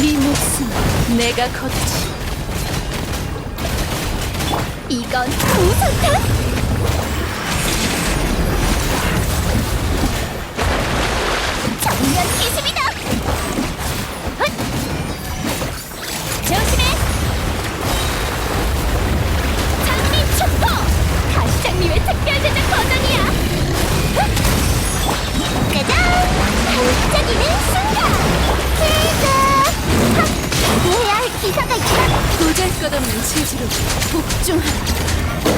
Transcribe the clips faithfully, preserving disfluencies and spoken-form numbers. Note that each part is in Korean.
네 목숨 내가 걷지. 이건 무선탄! 정면 기습이다! 헛! 조심해! 장미 촉포! 가시장님의 특별 제작 버전이야! 헛! 짜잔! 반짝이는 순간! 치즈! 하! 해야 할 기사가 있다! 도잘것없는 재주로 복종하라.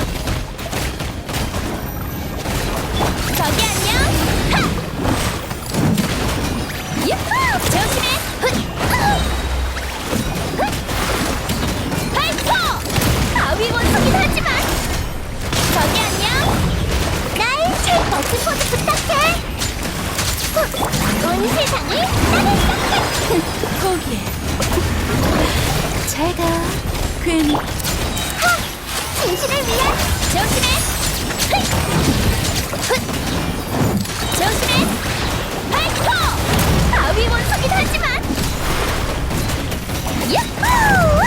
저기 안녕! 하! 유후! 조심해! 훗! 으! 훗! 발포! 바위 원숭이긴 하지만 저기 안녕! 날 잘 버튼 포즈 부탁해! 훗! 온 세상을 따뜻하게! 포기해. 잘 가. 괜히 하! 진실을 위한 조심해! 훗! 훗! 조심해! 발포! 바위 원숭이긴 하지만 유후!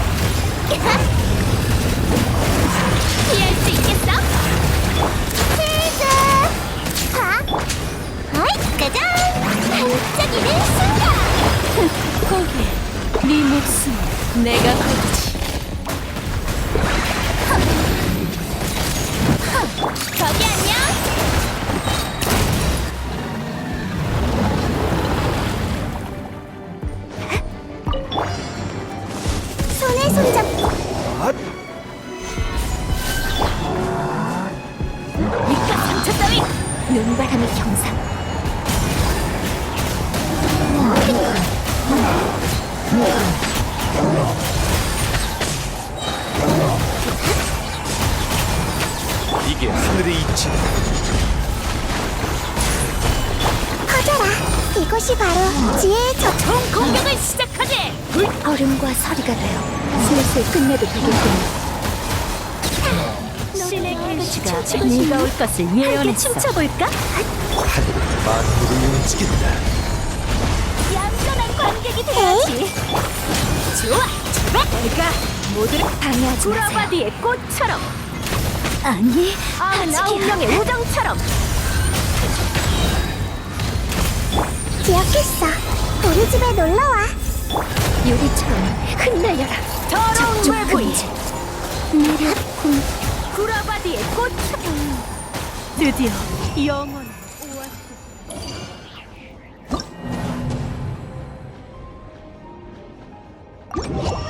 피할 수 있겠어? 치즈! 하! 아이, 짜잔! 반짝이는 순간! 포기해. 네 목숨 내가 걷지. 저기 안녕! 손에 손잡고 밑가 상처 따위! 눈바람의 형상 이게 하늘의 이치다. 커져라! 이것이 바로 지혜의 저총 공격을 시작하지! 얼음과 서리가 되어 슬슬 끝내도 되겠군. 신의 계시가 네가 올 것을 예언했어. 춤춰볼까? 하늘은 만물을 움직인다. 얌전한 관객이 돼야지. 좋아, 좋아. 내가 모두를 방해하지 마세요. 구라바디의 꽃처럼, 아니, 아홉 명의 우정처럼. 기억했어. 우리 집에 놀러와. 유리처럼 흩날려라. 더러운 외부인 내려 공 구라바디의 꽃처럼. 드디어 영원 오아시스.